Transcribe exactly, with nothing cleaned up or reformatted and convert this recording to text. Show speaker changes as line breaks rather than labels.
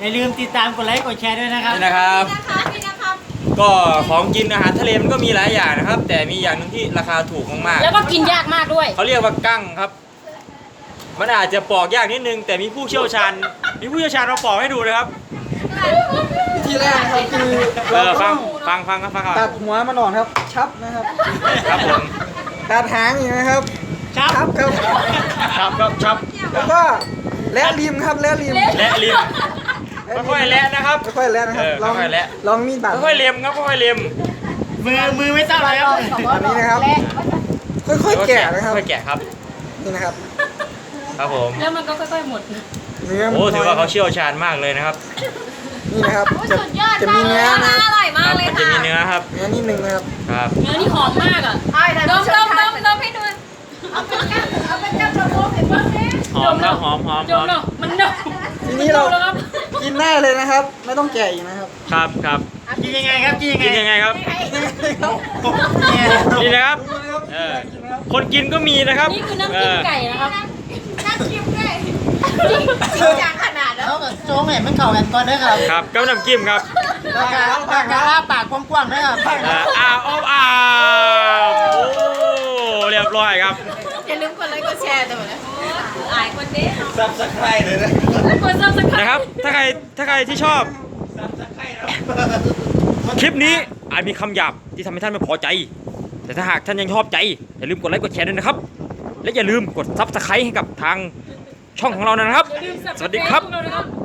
อย่าลืมติดตามกดไลค์กดแชร์ด้วยนะครับ
นี่นะครับ
นี่นะครับ
ก็ของกินอาหารทะเลมันก็มีหลายอย่างนะครับ แต่มีอย่างหนึงที่ราคาถูกมาก
แล้วก็กินยากมากด้วย
ๆเขาเรียกว่ากั้งครับ มันอาจจะปอกยากนิดนึง แต่มีผู้เชี่ยวชาญมีผู้เชี่ยวชาญมาปอกให้ดูนะครับ
วิธีแรกนะครับคือ
เอ
เรา
อ
ต้
ฟั
อง ง
ฟังฟังครับฟังครับ
ตัดหัวมันออกครับ ชับนะครับ
ครับผม
ตัดหางอย่างนะครับ
ชับ
ชับครับ
ครับครับครับ
แล้วก็และริมครับและริม
และริมค่อยๆและนะครับ
ค่อยๆและนะครับ
เออ
ลอง
ค่อยๆและ
ลองมีดบาด
ค่อยๆเล็มครับค่อยๆเล็ม
มือมือไม่ต้องเลยครับ
อันนี้นะครับ ค่อยๆแกะนะครับ
ค่อยๆแกะครับ
นี่นะครับ
ครับผม
แล้วมันก็ค่อยๆหมด
เนื้อมัน
โอ้ถือว่าเขา
น้ย
เชี่ยวชาญมากเลยนะครับ
นี่นะครับจะ
สุดยอด
จะ
มา
มี
กเล
เนื้
ย
อ
นะ
นะ
อร่อย
ค
มาก
รับ
เลย
มันจะ
ค่ะ
มีเนื้อครับ
เนื้อนิดนึงนะครับ
ครับ
เนื้อนี่หอมมากอ่ะ
ดมดมดมดมให้ดูเอาเป็นแก้วเอาเป็นแก้วโดมให้เบิ้งเนี่ย
หอมครับหอมหอม
ด
หอ
ม
ม
เนาะมันเนาะ
ทีนี้เรา
แล้วครับ
กินได้เลยนะครับ ไม่ต้องแกะอีกนะครับ
ครับครับ
กินยังไงครับกินยังไง
กินยังไงครับ
เนี่ย
นี่นะครับเออคนกินก็มีนะครับ
นี่คือน้ำจิ้มไก่นะครับ
น่าชิมด้วยจริงจริงจังขนาดนั้น
เขากับโจ้งเนี่ยมันเข่ากันก่อนนะครับ
ครับกับน้ำจิ้มครับ
ปากกาปากกาอ้าปากกว้างๆนะครับ
อ่าอ้าวอ้าวอ้าวโอ้เรียบร้อยครับ
อย่าลืมกดไลค์กดแชร์ด้วยนะอายคนนี้
ซับสไครเลยนะ
กดซับสไครต์
นะครับ ถ้าใครถ้าใครที่ชอบ คลิปนี้อาจมีคำหยาบที่ทำให้ท่านไม่พอใจ แต่ถ้าหากท่านยังชอบใจ อย่าลืมกดไลค์กดแชร์ด้วยนะครับ และอย่าลืมกดซับสไครต์ให้กับทางช่องของเรานะครับ
อย่าลืม
สวัสดีครับ
Subscribe พวกเรานะครับ